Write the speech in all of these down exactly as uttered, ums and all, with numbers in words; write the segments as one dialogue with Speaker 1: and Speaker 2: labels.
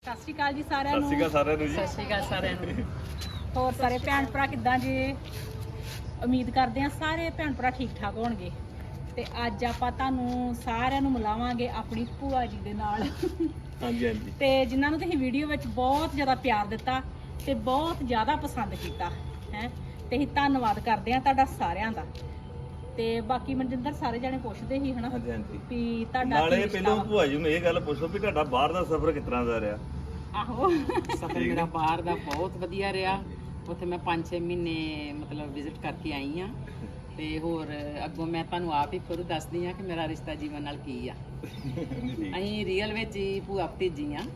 Speaker 1: ਸਤਿ ਸ਼੍ਰੀ ਅਕਾਲ ਜੀ ਸਾਰਿਆਂ ਨੂੰ।
Speaker 2: ਸਤਿ ਸ਼੍ਰੀ ਅਕਾਲ ਸਾਰਿਆਂ ਨੂੰ ਜੀ।
Speaker 3: ਸਤਿ ਸ਼੍ਰੀ ਅਕਾਲ ਸਾਰਿਆਂ ਨੂੰ।
Speaker 1: ਹੋਰ ਸਾਰੇ ਭੈਣ ਭਰਾ ਕਿੱਦਾਂ ਜੀ? ਉਮੀਦ ਕਰਦੇ ਹਾਂ ਸਾਰੇ ਭੈਣ ਭਰਾ ਠੀਕ ਠਾਕ ਹੋਣਗੇ। ਤੇ ਅੱਜ ਆਪਾਂ ਤੁਹਾਨੂੰ ਸਾਰਿਆਂ ਨੂੰ ਮਿਲਾਵਾਂਗੇ ਆਪਣੀ ਭੂਆ ਜੀ ਦੇ ਨਾਲ।
Speaker 2: ਹਾਂਜੀ ਹਾਂਜੀ।
Speaker 1: ਤੇ ਜਿਨ੍ਹਾਂ ਨੂੰ ਤੁਸੀਂ ਵੀਡੀਓ ਵਿੱਚ ਬਹੁਤ ਜ਼ਿਆਦਾ ਪਿਆਰ ਦਿੱਤਾ ਤੇ ਬਹੁਤ ਜ਼ਿਆਦਾ ਪਸੰਦ ਕੀਤਾ ਹੈ, ਤੇ ਅਸੀਂ ਧੰਨਵਾਦ ਕਰਦੇ ਹਾਂ ਤੁਹਾਡਾ ਸਾਰਿਆਂ ਦਾ। ਤੇ ਬਾਕੀ ਮਨਜਿੰਦਰ ਸਾਰੇ ਜਾਣੇ ਪੁੱਛਦੇ ਸੀ ਹਨਾ
Speaker 2: ਹਾਂਜੀ ਹਾਂਜੀ।
Speaker 1: ਵੀ ਤੁਹਾਡਾ
Speaker 2: ਨਾਲੇ
Speaker 1: ਕੀ ਰਿਸ਼ਤਾ
Speaker 2: ਪਹਿਲਾਂ
Speaker 1: ਵਾ?
Speaker 2: ਭੂਆ ਜੀ ਨੂੰ ਇਹ ਗੱਲ ਪੁੱਛੋ ਵੀ ਤੁਹਾਡਾ ਬਾਹਰ ਦਾ ਸਫ਼ਰ ਕਿਸ ਤਰ੍ਹਾਂ ਦਾ ਰਿਹਾ?
Speaker 1: ਆਹੋ
Speaker 3: ਸਫ਼ਰ ਮੇਰਾ ਬਾਹਰ ਦਾ ਬਹੁਤ ਵਧੀਆ ਰਿਹਾ। ਉੱਥੇ ਮੈਂ ਪੰਜ ਛੇ ਮਹੀਨੇ ਮਤਲਬ ਵਿਜ਼ਿਟ ਕਰਕੇ ਆਈ ਆ। ਤੇ ਹੋਰ ਅੱਗੋਂ ਮੈਂ ਤੁਹਾਨੂੰ ਆਪ ਹੀ ਖੁਦ ਦੱਸਦੀ ਆ ਕਿ ਮੇਰਾ ਰਿਸ਼ਤਾ ਜੀਵਨ ਨਾਲ ਕੀ ਆ। ਅਸੀਂ ਰੀਅਲ ਵਿੱਚ ਹੀ ਭੂਆ ਭਤੀਜੀ ਆ।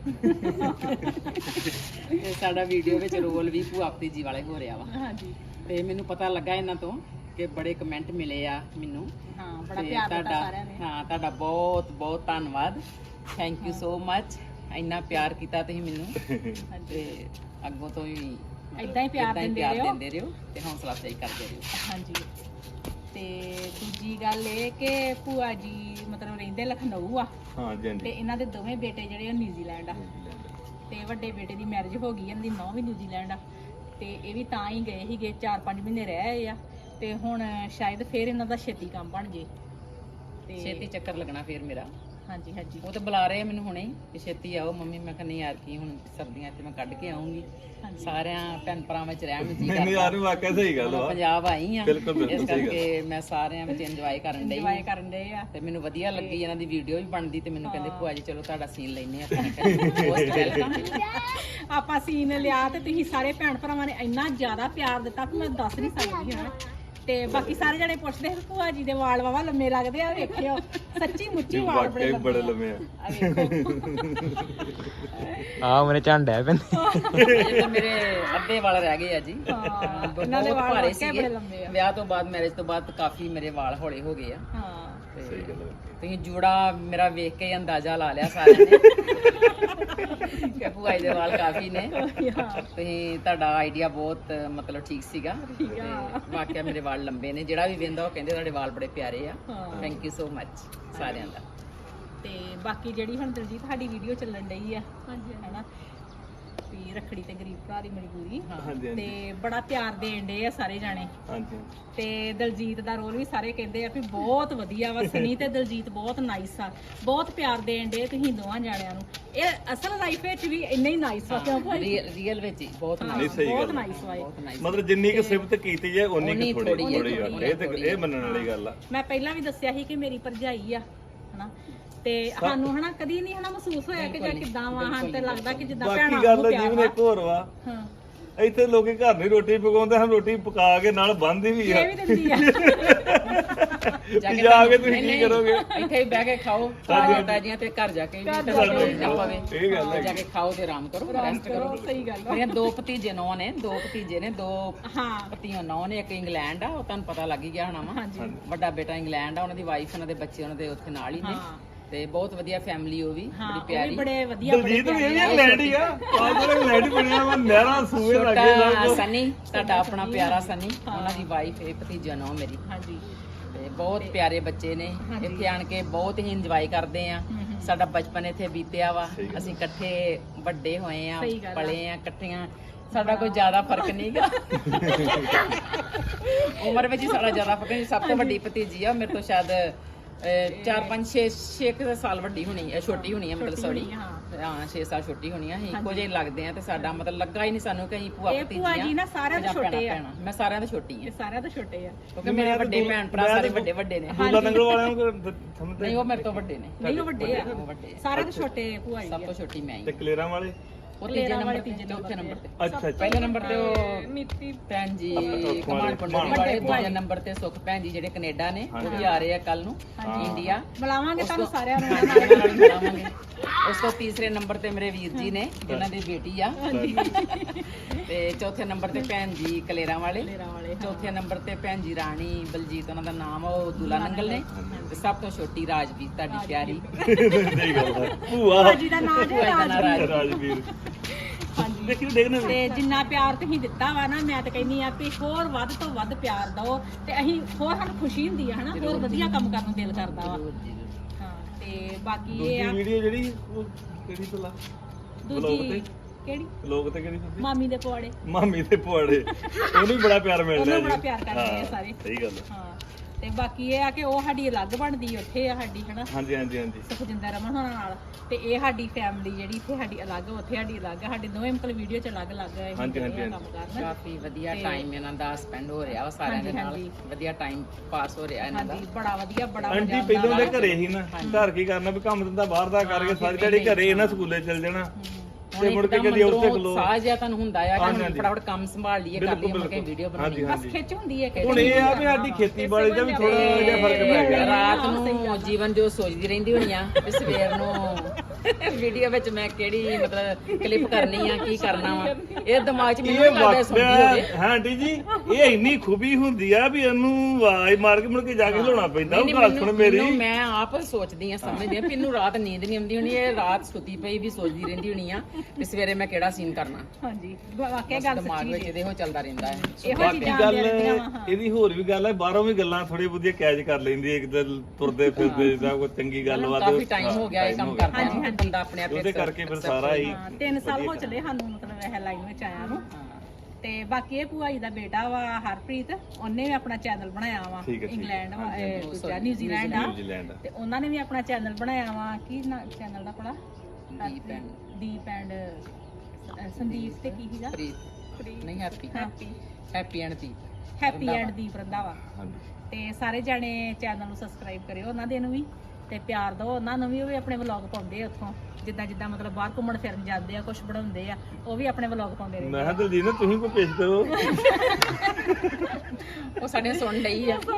Speaker 3: ਤੇ ਸਾਡਾ ਵੀਡੀਓ ਵਿੱਚ ਰੋਲ ਵੀ ਭੂਆ ਭਤੀਜੀ ਵਾਲੇ ਹੋ ਰਿਹਾ ਵਾ।
Speaker 1: ਹਾਂਜੀ
Speaker 3: ਤੇ ਮੈਨੂੰ ਪਤਾ ਲੱਗਾ ਇਹਨਾਂ ਤੋਂ ਕਿ ਬੜੇ ਕਮੈਂਟ ਮਿਲੇ ਆ ਮੈਨੂੰ।
Speaker 1: ਹਾਂ, ਬੜਾ
Speaker 3: ਤੇ
Speaker 1: ਪਿਆਰ ਦਿੱਤਾ
Speaker 3: ਤੁਹਾਡਾ-
Speaker 1: ਸਾਰਿਆਂ ਨੇ।
Speaker 3: ਹਾਂ, ਤੁਹਾਡਾ ਬਹੁਤ ਬਹੁਤ ਧੰਨਵਾਦ। Thank you so much. ਇੰਨਾ ਪਿਆਰ ਕੀਤਾ ਤੁਸੀਂ ਮੈਨੂੰ ਤੇ ਅੱਗੋਂ ਤੋਂ ਹੀ
Speaker 1: ਏਦਾਂ ਹੀ ਪਿਆਰ
Speaker 3: ਏਦਾਂ ਹੀ
Speaker 1: ਦਿੰਦੇ
Speaker 3: ਪਿਆਰ
Speaker 1: ਰਹੋ।
Speaker 3: ਦਿੰਦੇ ਰਹੋ ਤੇ ਹੌਸਲਾ ਅਫਜ਼ਾਈ ਕਰਦੇ ਰਹੋ।
Speaker 1: ਹਾਂਜੀ। ਤੇ ਦੂਜੀ ਗੱਲ ਇਹ ਕਿ ਭੂਆ ਜੀ ਮਤਲਬ ਰਹਿੰਦੇ ਲਖਨਊ ਆ
Speaker 2: ਹਾਂਜੀ
Speaker 1: ਤੇ
Speaker 2: ਹਾਂਜੀ।
Speaker 1: ਇਹਨਾਂ ਦੇ ਦੋਵੇਂ ਬੇਟੇ ਜਿਹੜੇ ਉਹ ਨਿਊਜ਼ੀਲੈਂਡ ਆ। ਤੇ ਵੱਡੇ ਬੇਟੇ ਦੀ ਮੈਰਿਜ ਹੋ ਗਈ, ਇਹਨਾਂ ਦੀ ਨੌਂ ਵੀ ਨਿਊਜ਼ੀਲੈਂਡ ਆ। ਤੇ ਇਹ ਵੀ ਤਾਂ ਹੀ ਗਏ ਸੀਗੇ, ਚਾਰ ਪੰਜ ਮਹੀਨੇ ਰਹਿ ਆਏ ਆ। ਤੇ ਹੁਣ ਸ਼ਾਇਦ ਫੇਰ ਇਹਨਾਂ ਦਾ ਛੇਤੀ ਕੰਮ ਬਣ ਜੇ। ਤੇ
Speaker 3: ਛੇਤੀ ਚੱਕਰ ਲੱਗਣਾ ਫੇਰ ਮੇਰਾ।
Speaker 1: ਹਾਂਜੀ ਹਾਂਜੀ
Speaker 3: ਉਹ ਤਾਂ ਬੁਲਾ ਰਹੇ ਆ ਮੈਨੂੰ ਹੁਣੇ ਕਿ ਛੇਤੀ ਆਓ ਮੰਮੀ। ਮੈਂ ਕਿਹਾ ਨਹੀਂ ਯਾਰ ਕੀ ਹੁਣ ਸਰਦੀਆਂ 'ਚ ਮੈਂ ਕੱਢ ਕੇ ਆਉਂਗੀ।
Speaker 1: ਹਾਂਜੀ।
Speaker 3: ਸਾਰਿਆਂ ਭੈਣ ਭਰਾਵਾਂ 'ਚ ਰਹਿਣ ਨੂੰ ਜੀ
Speaker 2: ਨਹੀਂ ਯਾਰ ਵਾਕਿਆ ਸਹੀ ਗੱਲ
Speaker 3: ਮੈਂ
Speaker 2: ਵਾ।
Speaker 3: ਪੰਜਾਬ ਆਈ ਆ,
Speaker 2: ਬਿਲਕੁਲ, ਬਿਲਕੁਲ
Speaker 3: ਇਸ
Speaker 2: ਸਹੀ ਗੱਲ।
Speaker 3: ਕਰਕੇ ਮੈਂ ਸਾਰਿਆਂ ਵਿੱਚ ਇੰਜੋਏ ਕਰਨ ਡਈ
Speaker 1: ਇੰਜੋਏ ਕਰਨ ਦੇ ਆ।
Speaker 3: ਤੇ ਮੈਨੂੰ ਵਧੀਆ ਲੱਗੀ ਇਹਨਾਂ ਦੀ ਵੀਡੀਓ ਵੀ ਬਣਦੀ ਤੇ ਮੈਨੂੰ ਕਹਿੰਦੇ ਭੂਆ ਜੀ ਚਲੋ ਤੁਹਾਡਾ ਸੀਨ ਲੈਨੇ ਆ। Most welcome.
Speaker 1: ਆਪਾਂ ਸੀਨ ਲਿਆ ਤੇ ਤੁਸੀਂ ਸਾਰੇ ਭੈਣ ਭਰਾਵਾਂ ਨੇ ਇੰਨਾ ਜ਼ਿਆਦਾ ਪਿਆਰ ਦਿੱਤਾ ਕਿ ਮੈਂ ਦੱਸ ਨਹੀਂ ਸਕਦੀ ਹਾਂ। ਤੇ ਬਾਕੀ ਸਾਰੇ ਜਣੇ ਪੁੱਛਦੇ ਸੀ ਭੂਆ ਜੀ ਦੇ ਵਾਲ ਵਾਵਾ ਲੰਮੇ ਲੱਗਦੇ ਆ, ਵੇਖਿਓ ਸੱਚੀ ਮੁੱਚੀ ਵਾਲ ਬੜੇ
Speaker 2: ਵਾਕਿਆ ਬੜੇ
Speaker 1: ਲੰਮੇ
Speaker 2: ਲੰਮੇ ਆ।
Speaker 1: ਆ ਵੇਖੋ।
Speaker 4: ਆ ਮੇਰੇ ਝੰਡਾ ਪੈਂਦੇ।
Speaker 3: ਅਜੇ ਤਾਂ ਮੇਰੇ ਅੱਧੇ ਵਾਲ ਰਹਿ ਗਏ ਆ ਜੀ।
Speaker 1: ਹਾਂ,
Speaker 3: ਬਹੁਤ
Speaker 1: ਇਹਨਾਂ ਦੇ ਵਾਲ
Speaker 3: ਭਾਰੇ
Speaker 1: ਵਾਕਿਆ
Speaker 3: ਸੀਗੇ।
Speaker 1: ਬੜੇ ਲੰਮੇ ਆ।
Speaker 3: ਵਿਆਹ ਤੋਂ ਬਾਅਦ ਮੈਰਿਜ ਤੋਂ ਬਾਅਦ ਕਾਫੀ ਮੇਰੇ ਵਾਲ ਹੌਲੇ ਹੋ ਗਏ ਆ।
Speaker 1: ਹਾਂ
Speaker 3: ਤੇ
Speaker 2: ਸਹੀ ਗੱਲ ਹੈ।
Speaker 3: ਤੁਸੀਂ ਜੂੜਾ ਮੇਰਾ ਵੇਖ ਕੇ ਹੀ ਅੰਦਾਜ਼ਾ ਲਾ ਲਿਆ ਸਾਰਿਆਂ ਨੇ ਕਿ ਭੂਆ ਜੀ ਦੇ ਵਾਲ ਕਾਫੀ ਨੇ। ਤੁਸੀਂ ਤੁਹਾਡਾ ਆਈਡੀਆ ਬਹੁਤ ਮਤਲਬ ਠੀਕ ਸੀਗਾ। ਤੇ ਵਾਕਿਆ ਮੇਰੇ ਵਾਲ ਲੰਬੇ ਨੇ। ਜਿਹੜਾ ਵੀ ਵੇਂਦਾ ਉਹ ਕਹਿੰਦੇ ਤੁਹਾਡੇ ਵਾਲ ਬੜੇ ਪਿਆਰੇ ਆ।
Speaker 1: ਹਾਂ।
Speaker 3: ਥੈਂਕ ਯੂ ਸੋ ਮਚ ਸਾਰਿਆਂ ਦਾ।
Speaker 1: ਤੇ ਬਾਕੀ ਜਿਹੜੀ ਹੁਣ ਦਲਜੀਤ ਸਾਡੀ ਵੀਡੀਓ ਚੱਲਣ ਡਈ ਆ ਹੈਨਾ ਵੀ ਰੱਖੜੀ ਤੇ ਗਰੀਬ ਭਰਾ ਦੀ ਮਜਬੂਰੀ।
Speaker 2: ਹਾਂਜੀ ਹਾਂਜੀ।
Speaker 1: ਤੇ ਬੜਾ ਪਿਆਰ ਦੇਣ ਡੇ ਆ ਸਾਰੇ ਜਾਣੇ।
Speaker 2: ਹਾਂਜੀ
Speaker 1: ਤੇ ਦਲਜੀਤ ਦਾ ਰੋਲ ਵੀ ਸਾਰੇ ਕਹਿੰਦੇ ਆ ਵੀ ਬਹੁਤ ਵਧੀਆ ਵਾ। ਸਨੀ ਤੇ ਦਲਜੀਤ ਬਹੁਤ ਨਾਈਸ ਆ, ਬਹੁਤ ਪਿਆਰ ਦੇਣ ਡੇ ਤੁਸੀਂ ਦੋਵਾਂ ਜਾਣਿਆਂ ਨੂੰ। ਇਹ ਅਸਲ ਲਾਈਫ ਵਿੱਚ ਵੀ ਇੰਨਾ ਹੀ ਨਾਈਸ ਵਾ ਕਿਉਂ ਭਾਈ?
Speaker 3: ਰੀਅਲ ਵਿੱਚ ਹੀ ਬਹੁਤ
Speaker 1: ਹਾਂ,
Speaker 2: ਨਹੀਂ, ਸਹੀ
Speaker 1: ਬਹੁਤ
Speaker 2: ਗੱਲ ਆ।
Speaker 1: ਨਾਈਸ ਵਾ ਇਹ।
Speaker 3: ਬਹੁਤ nice।
Speaker 2: ਮਤਲਬ ਜਿੰਨੀ ਕਿ ਸਿਫਤ ਕੀਤੀ ਜਾਏ ਉਨੀ
Speaker 3: ਉਨੀ
Speaker 2: ਕਿ ਥੋੜੀ
Speaker 3: ਥੋੜ੍ਹੀ ਹੈ,
Speaker 2: ਥੋੜੀ ਆ।
Speaker 3: ਥੋੜ੍ਹੀ
Speaker 2: ਇਹ ਤੇ
Speaker 3: ਥੋੜ੍ਹੀ
Speaker 2: ਇਹ ਮੰਨਣ ਵਾਲੀ ਗੱਲ ਆ।
Speaker 1: ਮੈਂ ਪਹਿਲਾਂ ਵੀ ਦੱਸਿਆ ਸੀ ਕਿ ਮੇਰੀ ਭਰਜਾਈ ਆ ਹਨਾ, ਤੇ ਸਾਨੂੰ ਹਨਾ ਕਦੀ ਨਹੀਂ ਹਨਾ ਮਹਿਸੂਸ ਹੋਇਆ ਕਿ ਜਾਂ ਕਿਦਾਂ ਵਾ। ਹਾਂ, ਤੇ ਲੱਗਦਾ ਕਿ ਜਿੱਦਾਂ ਭੈਣਾਂ
Speaker 2: ਬਾਕੀ ਗੱਲ
Speaker 1: ਨੂੰ ਪਿਆਰ
Speaker 2: ਜੀਵਨ
Speaker 1: ਵਾ।
Speaker 2: ਇੱਕ ਹੋਰ ਵਾ।
Speaker 1: ਹਾਂ,
Speaker 2: ਇੱਥੇ ਲੋਕੀ ਘਰ ਨਹੀਂ ਰੋਟੀ ਪਕਾਉਂਦੇ ਹਨ, ਰੋਟੀ ਪਕਾ ਕੇ ਨਾਲ ਬੰਨ੍ਹਦੀ ਵੀ ਆ।
Speaker 1: ਇਹ ਵੀ ਦਿੰਦੀ ਆ।
Speaker 2: ਜਾ ਕੇ ਤੁਸੀਂ ਕੀ ਕਰੋਗੇ?
Speaker 3: ਇੱਥੇ ਹੀ ਬਹਿ ਕੇ ਖਾਓ ਤਾਜ਼ੀਆਂ ਤਾਜ਼ੀਆਂ ਤੇ ਘਰ ਜਾ ਕੇ ਵੀ
Speaker 1: ਘਰ ਜਾ
Speaker 3: ਤੁਹਾਨੂੰ
Speaker 1: ਕੇ
Speaker 3: ਨਾ ਪਵੇ।
Speaker 2: ਇਹ ਗੱਲ ਹੈ।
Speaker 3: ਜਾ ਕੇ ਖਾਓ ਤੇ ਆਰਾਮ ਕਰੋ, ਰੈਸਟ ਕਰੋ।
Speaker 1: ਸਹੀ ਗੱਲ ਆ।
Speaker 3: ਮੇਰੀਆਂ ਦੋ ਭਤੀਜੇ ਨੌ ਨੇ, ਦੋ ਭਤੀਜੇ ਨੇ, ਦੋ
Speaker 1: ਹਾਂ
Speaker 3: ਪਤੀਆਂ ਨੌ ਨੇ। ਇੱਕ ਇੰਗਲੈਂਡ ਆ, ਉਹ ਤੁਹਾਨੂੰ ਪਤਾ ਲੱਗ ਹੀ ਗਿਆ ਹੋਣਾ ਵਾ।
Speaker 1: ਹਾਂਜੀ
Speaker 3: ਵੱਡਾ ਬੇਟਾ ਇੰਗਲੈਂਡ ਆ, ਉਹਨਾਂ ਦੀ ਵਾਈਫ ਉਹਨਾਂ ਦੇ ਬੱਚੇ ਉਹਨਾਂ ਦੇ ਉੱਥੇ ਨਾਲ ਹੀ ਨੇ।
Speaker 1: ਹਾਂ।
Speaker 3: ਤੇ ਬਹੁਤ ਵਧੀਆ ਫੈਮਿਲੀ ਉਹ ਵੀ,
Speaker 1: ਹਾਂ,
Speaker 3: ਬੜੀ
Speaker 1: ਉਹ ਵੀ
Speaker 3: ਪਿਆਰੀ।
Speaker 1: ਬੜੇ ਵਧੀਆ ਬੜੇ
Speaker 2: ਦਲਜੀਤ ਵੀ ਇਹ
Speaker 1: ਪਿਆਰੇ ਆ।
Speaker 2: ਇੰਗਲੈਂਡ ਹੀ ਆ। ਪਾਗਲ ਇੰਗਲੈਂਡ ਹੀ ਬਣਿਆ ਵਾ। ਨਹਿਰਾਂ ਸੂਏ ਲੱਗੇ ਸਭ
Speaker 3: ਛੋਟਾ
Speaker 2: ਕੁਛ।
Speaker 3: ਸਨੀ, ਤੁਹਾਡਾ ਆਪਣਾ ਪਿਆਰਾ ਸਨੀ, ਉਹਨਾਂ ਦੀ ਵਾਈਫ ਇਹ ਭਤੀਜਾ ਨੌ ਮੇਰੀ।
Speaker 1: ਹਾਂਜੀ
Speaker 3: ਤੇ ਬਹੁਤ ਪਿਆਰੇ ਬੱਚੇ ਨੇ। ਇੱਥੇ ਆਣ ਕੇ ਬਹੁਤ ਹੀ ਇੰਜੋਏ ਕਰਦੇ ਆ। ਸਾਡਾ ਬਚਪਨ ਇੱਥੇ ਬੀਤਿਆ ਵਾ। ਅਸੀਂ ਇਕੱਠੇ ਵੱਡੇ ਹੋਏ ਆ,
Speaker 1: ਸਹੀ ਗੱਲ ਆ।
Speaker 3: ਪਲੇ ਆ ਇਕੱਠੀਆਂ। ਸਾਡਾ ਕੋਈ ਜ਼ਿਆਦਾ ਫਰਕ ਨਹੀਂਗਾ। ਉਮਰ ਵਿੱਚ ਹੀ ਸਾਡਾ ਜ਼ਿਆਦਾ ਫਰਕ ਨਹੀਂ। ਸਭ ਤੋਂ ਵੱਡੀ ਭਤੀਜੀ ਆ ਮੇਰੇ ਤੋਂ ਸ਼ਾਇਦ ਅਹ, ਚਾਰ ਪੰਜ ਛੇ ਛੇ ਕੁ ਸਾਲ ਵੱਡੀ ਹੋਣੀ ਹੈ, ਛੋਟੀ ਹੋਣੀ ਹੈ ਮਤਲਬ ਸੌਰੀ ਹਾਂ ਛੇ ਸਾਲ ਛੋਟੀ ਹੋਣੀ ਆ। ਅਸੀਂ ਇੱਕੋ ਜਿਹੇ ਲੱਗਦੇ ਆ ਤੇ ਸਾਡਾ ਮਤਲਬ ਲੱਗਾ ਹੀ ਨਹੀਂ ਸਾਨੂੰ ਕਿ ਅਸੀਂ ਭੂਆ
Speaker 1: ਇਹ ਭੂਆ ਜੀ ਨਾ ਸਾਰਿਆਂ ਤੋਂ ਛੋਟੇ ਆ।
Speaker 3: ਮੈਂ ਸਾਰਿਆਂ ਤੋਂ ਛੋਟੀ
Speaker 1: ਇਹ
Speaker 3: ਆ
Speaker 1: ਸਾਰਿਆਂ ਤੋਂ ਛੋਟੇ ਆ।
Speaker 3: ਕਿਉਂਕਿ ਮੇਰੇ ਵੱਡੇ ਭੈਣ ਭਰਾ ਸਾਰੇ ਵੱਡੇ ਵੱਡੇ ਨੇ।
Speaker 2: ਦੂਲਾ ਨੰਗਲ ਵਾਲਿਆਂ ਨੂੰ ਸਮਝਦੇ
Speaker 3: ਨਹੀਂ ਉਹ ਮੇਰੇ ਤੋਂ ਵੱਡੇ ਨੇ।
Speaker 1: ਨਹੀਂ ਉਹ ਵੱਡੇ ਆ,
Speaker 3: ਉਹ ਵੱਡੇ ਆ।
Speaker 1: ਸਾਰਿਆਂ ਤੋਂ ਛੋਟੇ ਭੂਆ ਜੀ
Speaker 3: ਸਭ
Speaker 1: ਆ।
Speaker 3: ਤੋਂ ਛੋਟੀ ਮੈਂ ਹੀ
Speaker 2: ਤੇ ਕਲੇਰਾਂ ਵਾਲੇ।
Speaker 3: ਉਹ ਤੀਜੇ ਨੰਬਰ ਤੇ, ਚੌਥੇ ਨੰਬਰ ਤੇ।
Speaker 2: ਅੱਛਾ ਅੱਛਾ।
Speaker 3: ਪਹਿਲੇ ਨੰਬਰ ਤੇ ਉਹ
Speaker 1: ਨੀਤੀ
Speaker 3: ਭੈਣ ਜੀ
Speaker 2: ਅੱਛਾ,
Speaker 3: ਕਮਾਲ ਪੰਡੋਰੀ
Speaker 2: ਵੱਡੇ
Speaker 3: ਵਾਲੇ।
Speaker 1: ਭੂਆ
Speaker 3: ਦੂਜੇ
Speaker 1: ਜੀ।
Speaker 3: ਨੰਬਰ ਤੇ ਸੁਖ ਭੈਣ ਜੀ ਜਿਹੜੇ ਕੈਨੇਡਾ ਨੇ, ਉਹ ਵੀ ਆ ਰਹੇ ਆ ਕੱਲ ਨੂੰ ਇੰਡੀਆ।
Speaker 1: ਬੁਲਾਵਾਂਗੇ ਤੁਹਾਨੂੰ ਸਾਰਿਆਂ ਨੂੰ।
Speaker 3: ਉਹਨਾਂ ਨਾਲ ਵੀ ਮਿਲਾਵਾਂਗੇ। ਉਸ ਤੋਂ ਤੀਸਰੇ ਨੰਬਰ ਤੇ ਮੇਰੇ ਵੀਰ ਜੀ ਨੇ ਜਿਨ੍ਹਾਂ ਦੀ ਬੇਟੀ ਆ। ਤੇ ਚੌਥੇ ਨੰਬਰ ਤੇ ਭੈਣ ਜੀ ਕਲੇਰਾਂ ਵਾਲੇ।
Speaker 1: ਵਾਲੇ
Speaker 3: ਚੌਥੇ ਨੰਬਰ ਤੇ ਭੈਣ ਜੀ ਰਾਣੀ ਬਲਜੀਤ, ਉਹਨਾਂ ਦਾ ਨਾਮ ਆ, ਉਹ ਦੁਲਾ ਨੰਗਲ ਨੇ। ਤੇ ਸਭ ਤੋਂ ਛੋਟੀ ਰਾਜਵੀਰ, ਤੁਹਾਡੀ ਪਿਆਰੀ।
Speaker 2: ਸਹੀ ਗੱਲ ਹੈ। ਭੂਆ
Speaker 1: ਭੂਆ ਜੀ ਦਾ ਨਾਂ ਜੇ ਰਾਜ।
Speaker 2: ਰਾਜਵੀਰ।
Speaker 1: ਹਾਂਜੀ
Speaker 2: ਦੇਖੀ ਦੇਖਣਾ
Speaker 1: ਤੇ ਜਿੰਨਾ ਪਿਆਰ ਤੁਸੀਂ ਦਿੱਤਾ ਵਾ ਨਾ, ਮੈਂ ਤਾਂ ਕਹਿੰਦੀ ਆ ਵੀ ਹੋਰ ਵੱਧ ਤੋਂ ਵੱਧ ਪਿਆਰ ਦਿਓ ਤੇ ਅਸੀਂ ਹੋਰ ਸਾਨੂੰ ਖੁਸ਼ੀ ਹੁੰਦੀ ਆ ਹਨਾ, ਹੋਰ ਵਧੀਆ ਕੰਮ ਕਰਨ ਨੂੰ ਦਿਲ ਕਰਦਾ ਵਾ।
Speaker 3: ਜ਼ਰੂਰ, ਜ਼ਰੂਰ।
Speaker 1: ਹਾਂ ਤੇ ਬਾਕੀ ਇਹ
Speaker 2: ਦੂਜੀ
Speaker 1: ਆ
Speaker 2: ਵੀਡੀਓ ਜਿਹੜੀ ਉਹ ਕਿਹੜੀ ਭਲਾ ਬਲੌਗ ਤੇ
Speaker 1: ਦੂਜੀ ਕਿਹੜੀ
Speaker 2: ਲੋਕ ਤੇ ਕਿਹੜੀ ਹੁੰਦੀ
Speaker 1: ਮਾਮੀ ਦੇ ਪਵਾੜੇ
Speaker 2: ਮਾਮੀ ਦੇ ਪੁਆੜੇ ਉਹਨੂੰ ਵੀ ਬੜਾ ਪਿਆਰ ਮਿਲਦਾ
Speaker 1: ਉਹਨੂੰ
Speaker 2: ਜੀ
Speaker 1: ਬੜਾ ਪਿਆਰ ਕਰਦੇ ਆ
Speaker 2: ਹਾਂ,
Speaker 1: ਸਾਰੇ।
Speaker 2: ਸਹੀ ਗੱਲ ਹੈ।
Speaker 1: ਹਾਂ ਤੇ ਬਾਕੀ ਇਹ ਆ ਕਿ ਉਹ ਸਾਡੀ ਅਲੱਗ ਬਣਦੀ ਉੱਥੇ ਆ ਸਾਡੀ ਹਨਾ
Speaker 2: ਹਾਂਜੀ ਹਾਂਜੀ ਹਾਂਜੀ
Speaker 1: ਸੁਖਜਿੰਦਰ ਰਮਨ ਹੋਣਾ ਨਾਲ, ਤੇ ਇਹ ਸਾਡੀ ਫੈਮਿਲੀ ਜਿਹੜੀ ਇੱਥੇ ਸਾਡੀ ਅਲੱਗ ਉੱਥੇ ਸਾਡੀ ਅਲੱਗ ਆ। ਸਾਡੇ ਦੋਵੇਂ ਮਤਲਬ ਵੀਡੀਓ ਚ ਅਲੱਗ ਅਲੱਗ ਅਸੀਂ
Speaker 2: ਹਾਂਜੀ,
Speaker 1: ਜਿਹੜੇ
Speaker 2: ਹਾਂਜੀ,
Speaker 1: ਆ ਕੰਮ ਕਰਨਾ।
Speaker 3: ਕਾਫੀ ਵਧੀਆ
Speaker 1: ਤੇ-
Speaker 3: ਟਾਈਮ ਇਹਨਾਂ ਦਾ ਸਪੈਂਡ ਹੋ ਰਿਹਾ ਵਾ ਸਾਰਿਆਂ ਦੇ
Speaker 1: ਹਾਂਜੀ,
Speaker 3: ਨਾਲ
Speaker 1: ਹਾਂਜੀ।
Speaker 3: ਵਧੀਆ ਟਾਈਮ ਪਾਸ ਹੋ ਰਿਹਾ ਇਹਨਾਂ ਦਾ
Speaker 1: ਹਾਂਜੀ ਬੜਾ ਵਧੀਆ ਬੜਾ
Speaker 2: ਆਂਟੀ
Speaker 1: ਮਜ਼ਾ
Speaker 2: ਪਹਿਲਾਂ
Speaker 1: ਆਉਂਦਾ
Speaker 2: ਦੇ ਘਰੇ ਹੀ ਨਾ ਘਰ ਕੀ ਕਰਨਾ ਵੀ ਕੰਮ ਧੰਦਾ ਬਾਹਰ ਦਾ ਕਰਕੇ ਸਾਰੀ ਦਿਹਾੜੀ ਘਰੇ ਇਹਨਾਂ ਸਕੂਲੇ ਚਲ ਜਾਣਾ ਤੇ ਮੁੜ ਕੇ ਕਦੀ ਉੱਥੇ ਖਲੋ
Speaker 3: ਸਾਹ ਜਿਹਾ ਤੁਹਾਨੂੰ ਹੁੰਦਾ ਆ
Speaker 2: ਹਾਂਜੀ,
Speaker 3: ਕਿ
Speaker 2: ਹਾਂਜੀ।
Speaker 3: ਫਟਾਫਟ ਕੰਮ ਸੰਭਾਲ ਲਈਏ ਕਰ
Speaker 2: ਬਿਲਕੁਲ,
Speaker 3: ਲਈਏ ਮੁੜ ਕੇ
Speaker 2: ਬਿਲਕੁਲ।
Speaker 3: ਵੀਡੀਓ
Speaker 2: ਹਾਂਜੀ,
Speaker 3: ਬਣਾਉਣੀ
Speaker 1: ਬਸ ਖਿੱਚ ਹੁੰਦੀ ਹੈ ਕਿ
Speaker 2: ਹੁਣ ਇਹ ਆ ਵੀ ਸਾਡੀ ਖੇਤੀਬਾੜੀ ਦਾ ਵੀ ਥੋੜਾ ਜਿਹਾ ਫਰਕ ਪੈ
Speaker 3: ਤੇ
Speaker 2: ਗਿਆ
Speaker 3: ਰਾਤ ਨੂੰ ਜੀਵਨ ਜੋ ਸੋਚਦੀ ਰਹਿੰਦੀ ਹੋਣੀ ਆ ਵੀ ਸਵੇਰ ਨੂੰ ਵੀਡੀਓ ਵਿੱਚ ਮੈਂ ਕਿਹੜੀ ਮਤਲਬ ਕਲਿੱਪ ਕਰਨੀ ਆ ਕੀ ਕਰਨਾ ਵਾ ਇਹ ਦਿਮਾਗ 'ਚ ਮੈਨੂੰ
Speaker 2: ਇਹ
Speaker 3: ਨਹੀਂ ਲੱਗਦਾ ਸੁਣਦੀ ਹੋਵੇ
Speaker 2: ਵਾਕਿਆ ਹਾਂ ਆਂਟੀ ਜੀ ਇਹ ਇੰਨੀ ਖੂਬੀ ਹੁੰਦੀ ਆ ਵੀ ਇਹਨੂੰ ਆਵਾਜ਼ ਮਾਰ ਕੇ ਮੁੜ ਕੇ ਜਾ ਕੇ ਹਿਲਾਉਣਾ ਪੈਂਦਾ ਉਹ
Speaker 3: ਨਹੀਂ,
Speaker 2: ਗੱਲ
Speaker 3: ਮੈਨੂੰ-
Speaker 2: ਸੁਣ ਮੇਰੀ
Speaker 3: ਮੈਨੂੰ ਮੈਂ ਆਪ ਸੋਚਦੀ ਆ ਸਮਝਦੀ ਆ ਵੀ ਇਹਨੂੰ ਰਾਤ ਨੀਂਦ ਨਹੀਂ ਆਉਂਦੀ ਹੋਣੀ ਇਹ ਰਾਤ ਸੁੱਤੀ ਪਈ ਵੀ ਸੋਚਦੀ ਰਹਿੰਦੀ ਹੋਣੀ ਆ ਵੀ ਸਵੇਰੇ ਮੈਂ ਕਿਹੜਾ ਸੀਨ ਕਰਨਾ
Speaker 1: ਹਾਂਜੀ ਵਾਕਿਆ ਗੱਲ
Speaker 3: ਦਿਮਾਗ
Speaker 1: ਸੱਚੀ
Speaker 3: ਵਿੱਚ
Speaker 1: ਜੀ
Speaker 3: ਇਹਦੇ ਹੋ ਚੱਲਦਾ ਰਹਿੰਦਾ ਹੈ
Speaker 1: ਇਹੋ
Speaker 2: ਬਾਕੀ
Speaker 1: ਚੀਜ਼ਾਂ
Speaker 2: ਗੱਲ
Speaker 1: ਆਉਂਦੀਆਂ ਰਹਿੰਦੀਆਂ ਵਾ, ਹਾਂ।
Speaker 2: ਇਹਦੀ ਹੋਰ ਵੀ ਗੱਲ ਹੈ ਬਾਹਰੋਂ ਵੀ ਗੱਲਾਂ ਥੋੜੀ ਵਧੀਆ ਕੈਚ ਕਰ ਲੈਂਦੀ ਹੈ ਇੱਕ ਦਿਨ ਤੁਰਦੇ ਫਿਰਦੇ ਜਿੱਦਾਂ ਕੋਈ ਚੰਗੀ ਗੱਲਬਾਤ
Speaker 3: ਕਾਫੀ ਟਾਈਮ ਹੋ ਗਿਆ ਇਹ ਕੰਮ ਕਰਦਾ
Speaker 1: ਹਾਂਜੀ,
Speaker 3: ਹਾਂ
Speaker 1: ਹਾਂਜੀ।
Speaker 3: ਬੰਦਾ ਆਪਣੇ ਆਪ
Speaker 2: ਉਹਦੇ ਕਰਕੇ ਫਿਰ ਸਾਰਾ ਹੀ
Speaker 1: ਹਾਂ ਤਿੰਨ ਸਾਲ ਹੋ ਚਲੇ ਸਾਨੂੰ ਮਤਲਬ ਇਹ ਲਾਈਨ ਵਿੱਚ ਆਇਆ ਨੂੰ ਤੇ ਬਾਕੀ ਇਹ ਭੂਆ ਜੀ ਦਾ ਬੇਟਾ ਵਾ ਹਰਪ੍ਰੀਤ ਉਹਨੇ ਵੀ ਆਪਣਾ ਚੈਨਲ ਬਣਾਇਆ ਵਾ
Speaker 2: ਠੀਕ ਹੈ, ਠੀਕ ਹੈ।
Speaker 1: ਇੰਗਲੈਂਡ ਵਾ ਇਹ ਦੂਜਾ ਨਿਊਜ਼ੀਲੈਂਡ ਆ
Speaker 2: ਨਿਊਜ਼ੀਲੈਂਡ
Speaker 1: ਤੇ ਉਹਨਾਂ ਨੇ ਵੀ ਆਪਣਾ ਚੈਨਲ ਬਣਾਇਆ ਵਾ ਕੀ ਚੈਨਲ ਦਾ ਕੋਲਾ
Speaker 3: ਦੀਪ ਐਂਡ
Speaker 1: ਦੀਪ ਐਂਡ ਅ, ਸੰਦੀਪ ਤੇ ਕੀ ਸੀਗਾ
Speaker 3: ਪ੍ਰੀਤ ਨਹੀਂ Happy
Speaker 1: Happy
Speaker 3: Happy and Deep
Speaker 1: Happy and Deep Randhawa
Speaker 2: ਹਾਂਜੀ
Speaker 1: ਤੇ ਸਾਰੇ ਜਾਣੇ ਚੈਨਲ ਨੂੰ ਸਬਸਕ੍ਰਾਈਬ ਕਰਿਓ ਉਹਨਾਂ ਦੇ ਨੂੰ ਵੀ ਤੇ ਪਿਆਰ ਦਿਓ ਉਹਨਾਂ ਨੂੰ ਵੀ। ਉਹ ਵੀ ਆਪਣੇ ਵਲੌਗ ਪਾਉਂਦੇ ਆ ਉੱਥੋਂ ਜਿੱਦਾਂ ਜਿੱਦਾਂ ਮਤਲਬ ਬਾਹਰ ਘੁੰਮਣ ਫਿਰਨ ਜਾਂਦੇ ਆ ਕੁਝ ਬਣਾਉਂਦੇ ਆ ਉਹ ਵੀ ਆਪਣੇ ਵਲੌਗ ਪਾਉਂਦੇ ਰਹਿੰਦੇ
Speaker 2: ਮੈਂ ਕਿਹਾ ਦਲਜੀਤ ਨਾ ਤੁਸੀਂ ਕੋਈ ਪੇਸ਼ ਕਰੋ
Speaker 3: ਉਹ ਸਾਡੇ ਸੁਣ ਲਈ ਆ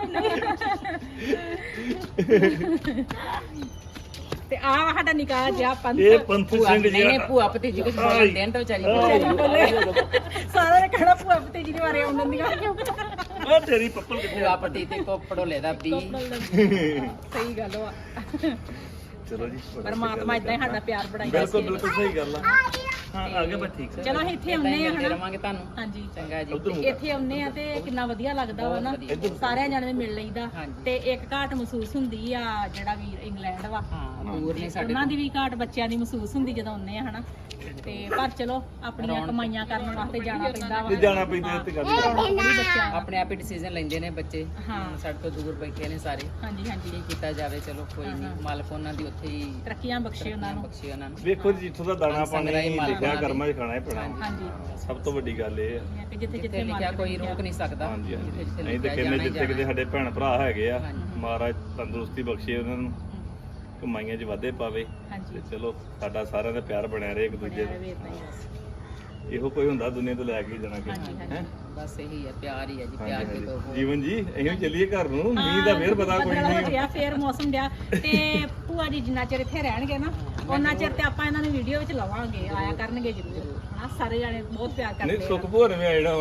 Speaker 1: ਤੇ ਆ ਸਾਡਾ ਨਿਕਾਹ ਜਿਹਾ ਪੰਥ
Speaker 2: ਇਹ ਪੰਥ
Speaker 3: ਭੂਆ
Speaker 2: ਸਿੰਘ
Speaker 3: ਨਹੀਂ
Speaker 2: ਜੀ
Speaker 3: ਨਹੀਂ ਭੂਆ ਭਤੀਜੀ ਕੁਝ ਬੋਲਦੇ ਨੇ ਤਾਂ ਵਿਚਾਰੀ
Speaker 1: ਸਾਰਿਆਂ ਨੇ ਕਹਿਣਾ ਭੂਆ ਭਤੀਜੀ ਦੇ ਬਾਰੇ ਆਉਂਦੀਆਂ ਦੀਆਂ
Speaker 2: ਉਹ ਤੇਰੀ ਪੱਪਲ ਕਿੱਥੇ
Speaker 3: ਭੂਆ ਭਤੀ ਤੇ ਕੋ ਪੜੋਲੇ ਦਾ ਬੀ
Speaker 1: ਸਹੀ ਗੱਲ ਵਾ
Speaker 2: ਚਲੋ ਜੀ
Speaker 1: ਪਰਮਾਤਮਾ ਇਦਾਂ ਹੀ ਸਾਡਾ ਪਿਆਰ ਬਣਾਈ
Speaker 2: ਬਿਲਕੁਲ ਬਿਲਕੁਲ ਸਹੀ ਗੱਲ ਆ ਹਾਂ ਆ ਗਿਆ ਬਸ ਠੀਕ
Speaker 1: ਚਲੋ ਅਸੀਂ ਇੱਥੇ ਆਉਂਦੇ ਆ
Speaker 3: ਮਿਲਦੇ
Speaker 1: ਹਨਾ
Speaker 3: ਰਵਾਂਗੇ ਤੁਹਾਨੂੰ
Speaker 1: ਹਾਂਜੀ
Speaker 3: ਚੰਗਾ ਜੀ
Speaker 2: ਉਧਰ
Speaker 1: ਤੇ ਇੱਥੇ ਆਉਂਦੇ ਆ ਤੇ ਕਿੰਨਾ ਵਧੀਆ ਲੱਗਦਾ ਵਾ ਨਾ ਸਾਰਿਆਂ ਜਾਣੇ ਮਿਲ ਲਈਦਾ
Speaker 3: ਹਾਂਜੀ।
Speaker 1: ਤੇ ਇੱਕ ਘਾਟ ਮਹਿਸੂਸ ਹੁੰਦੀ ਆ ਜਿਹੜਾ ਵੀਰ ਇੰਗਲੈਂਡ ਵਾ
Speaker 3: ਹਾਂ ਦੂਰ ਨਹੀਂ ਸਾਡੇ
Speaker 1: ਉਹਨਾਂ ਦੀ ਵੀ ਘਾਟ ਬੱਚਿਆਂ ਦੀ ਮਹਿਸੂਸ ਹੁੰਦੀ ਜਦੋਂ ਆਉਂਦੇ ਆ ਹਨਾ ਤੇ ਪਰ ਚਲੋ ਆਪਣੀਆਂ ਕਮਾਈਆਂ ਕਰਨ ਵਾਸਤੇ ਜਾਣਾ ਪੈਂਦਾ ਵਾ
Speaker 2: ਤੇ ਜਾਣਾ ਪੈਂਦਾ ਇੱਥੇ ਗੱਲ
Speaker 1: ਰੌਣਕ ਬੜੀ ਬੱਚਿਆਂ
Speaker 3: ਆਪਣੇ ਆਪ ਹੀ ਡਿਸੀਜਨ ਲੈਂਦੇ ਨੇ ਬੱਚੇ
Speaker 1: ਹਾਂ।
Speaker 3: ਸਾਡੇ ਤੋਂ ਦੂਰ ਬੈਠੇ ਨੇ ਸਾਰੇ
Speaker 1: ਹਾਂਜੀ ਹਾਂਜੀ
Speaker 3: ਕੀ ਕੀਤਾ ਜਾਵੇ ਚਲੋ ਕੋਈ ਨਹੀਂ ਮਾਲਕ ਉਹਨਾਂ ਦੀ ਉੱਥੇ ਹੀ
Speaker 1: ਤਰੱਕੀਆਂ ਬਖਸ਼ੇ ਉਹਨਾਂ ਨੂੰ
Speaker 3: ਬਖਸ਼ੇ ਉਹਨਾਂ ਨੂੰ
Speaker 2: ਵੇਖੋ ਜੀ ਜਿੱਥੋਂ ਦਾ ਦਾਣਾ ਪਾਣੀ ਲਿਖਿਆ ਕਰਮਾਂ 'ਚ ਖਾਣਾ ਹੀ ਪੈਣਾ
Speaker 1: ਹਾਂਜੀ
Speaker 2: ਸਭ ਤੋਂ ਵੱਡੀ ਗੱਲ ਇਹ ਆ
Speaker 1: ਕਿ ਜਿੱਥੇ
Speaker 3: ਜਿੱਥੇ
Speaker 1: ਜਿੱਥੇ
Speaker 3: ਲਿਖਿਆ ਕੋਈ ਰੋਕ ਨਹੀਂ ਸਕਦਾ
Speaker 2: ਹਾਂਜੀ ਹਾਂਜੀ
Speaker 3: ਜਿੱਥੇ
Speaker 2: ਅਸੀਂ ਤੇ
Speaker 3: ਲਿਖਿਆ
Speaker 2: ਕਹਿੰਦੇ
Speaker 3: ਜਾਣਾ ਹੀ
Speaker 2: ਜਿੱਥੇ ਕਿਤੇ ਸਾਡੇ ਭੈਣ ਭਰਾ ਹੈਗੇ ਆ
Speaker 3: ਹਾਂਜੀ।
Speaker 2: ਮਹਾਰਾਜ ਤੰਦਰੁਸਤੀ ਬਖਸ਼ੇ ਉਹਨਾਂ ਨੂੰ ਕਮਾਈਆਂ 'ਚ ਵਾਧੇ ਪਾਵੇ
Speaker 1: ਹਾਂਜੀ
Speaker 2: ਤੇ ਚਲੋ ਸਾਡਾ ਸਾਰਿਆਂ ਦਾ ਪਿਆਰ ਬਣਿਆ ਰਹੇ ਇੱਕ ਦੂਜੇ
Speaker 1: ਬਣਿਆ
Speaker 2: ਦਾ
Speaker 1: ਰਵੇ ਏਦਾਂ ਹੀ ਬਸ।
Speaker 2: ਇਹੋ ਕੋਈ ਹੁੰਦਾ ਦੁਨੀਆ ਤੋਂ ਲੈ ਕੇ ਜਾਣਾ ਕਿ
Speaker 1: ਹਾਂਜੀ ਹਾਂਜੀ
Speaker 2: ਹੈ
Speaker 3: ਬਸ ਇਹੀ ਹੈ ਪਿਆਰ ਹੀ ਹੈ ਜੀ ਪਿਆਰ ਕੇ ਦੋ
Speaker 2: ਜੀਵਨ ਜੀ ਅਸੀਂ ਵੀ ਚੱਲੀਏ ਘਰ ਨੂੰ ਮੀਂਹ ਦਾ ਫੇਰ ਪਤਾ ਕੋਈ
Speaker 1: ਬੱਦਲ ਹੋ
Speaker 2: ਨਹੀਂ
Speaker 1: ਗਿਆ ਫੇਰ ਮੌਸਮ ਡਿਆ ਤੇ ਭੂਆ ਜੀ ਜਿੰਨਾ ਚਿਰ ਇੱਥੇ ਰਹਿਣਗੇ ਨਾ ਉਹਨਾਂ ਚਿਰ ਤੇ ਆਪਾਂ ਇਹਨਾਂ ਨੂੰ ਵੀਡੀਓ ਵਿੱਚ ਲਵਾਂਗੇ ਆਇਆ ਕਰਨਗੇ ਜ਼ਰੂਰ ਹਨਾ ਸਾਰੇ ਜਾਣੇ ਬਹੁਤ ਪਿਆਰ
Speaker 2: ਨਹੀਂ
Speaker 1: ਕਰਦੇ
Speaker 2: ਸੁੱਖ ਭੋਰ ਨੇ ਆਇਣਾ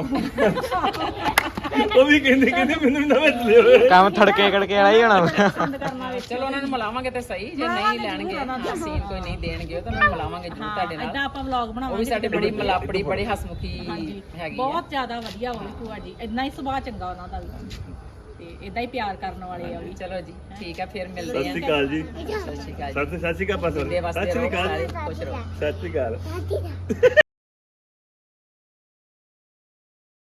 Speaker 2: ਉਹ ਵੀ ਕਹਿੰਦੇ ਕਹਿੰਦੇ ਮੈਨੂੰ ਨਾ ਵਿੱਚ ਲਿਓ
Speaker 4: ਕੰਮ ਥੜਕੇ ਕੜਕੇ ਵਾਲਾ ਹੀ ਹੋਣਾ
Speaker 1: ਆ ਪਸੰਦ ਕਰਨਾ ਵਿੱਚ
Speaker 3: ਚਲੋ ਉਹਨਾਂ ਨੂੰ ਮਿਲਾਵਾਂਗੇ ਤੇ ਸਹੀ ਜੇ ਨਹੀਂ ਲੈਣਗੇ ਸੀਨ ਕੋਈ ਨਹੀਂ ਦੇਣਗੇ ਉਹ ਤਾਂ ਉਹਨਾਂ ਨੂੰ ਮਿਲਾਵਾਂਗੇ ਜਰੂਰ ਤੁਹਾਡੇ ਨਾਲ
Speaker 1: ਇਦਾਂ ਆਪਾਂ ਵਲੌਗ
Speaker 3: ਉਹ
Speaker 1: ਬਣਾਵਾਂਗੇ
Speaker 3: ਵੀ ਸਾਡੇ ਬੜੀ ਮਲਾਪੜੀ ਬੜੇ ਹਸਮੁਖੀ
Speaker 1: ਹਾਂਜੀ
Speaker 3: ਹੈਗੀ ਆ
Speaker 1: ਬਹੁਤ ਜ਼ਿਆਦਾ ਵਧੀਆ ਹੋਈ ਭੂਆ ਜੀ ਇਦਾਂ ਹੀ ਸੁਭਾਅ ਚੰਗਾ ਉਹਨਾਂ ਦਾ ਵੀ ਤੇ ਇਦਾਂ ਹੀ ਪਿਆਰ ਕਰਨ ਵਾਲੇ ਆ ਵੀ
Speaker 3: ਚਲੋ ਜੀ ਠੀਕ ਹੈ ਫਿਰ ਮਿਲਦੇ
Speaker 2: ਸਤਿ
Speaker 3: ਹਾਂ
Speaker 2: ਸ਼੍ਰੀ ਅਕਾਲ ਜੀ
Speaker 3: ਸਤਿ ਸ਼੍ਰੀ ਅਕਾਲ ਜੀ
Speaker 2: ਸਤਿ ਸਤਿ ਸ਼੍ਰੀ ਅਕਾਲ ਪਾਸਰ
Speaker 3: ਦੇ ਵਾਸਤੇ
Speaker 2: ਸਤਿ ਸ਼੍ਰੀ
Speaker 3: ਰਹੋ
Speaker 2: ਅਕਾਲ
Speaker 3: ਸਾਰੇ ਖੁਸ਼ ਰਹੋ
Speaker 2: ਸਤਿ ਸ਼੍ਰੀ ਅਕਾਲ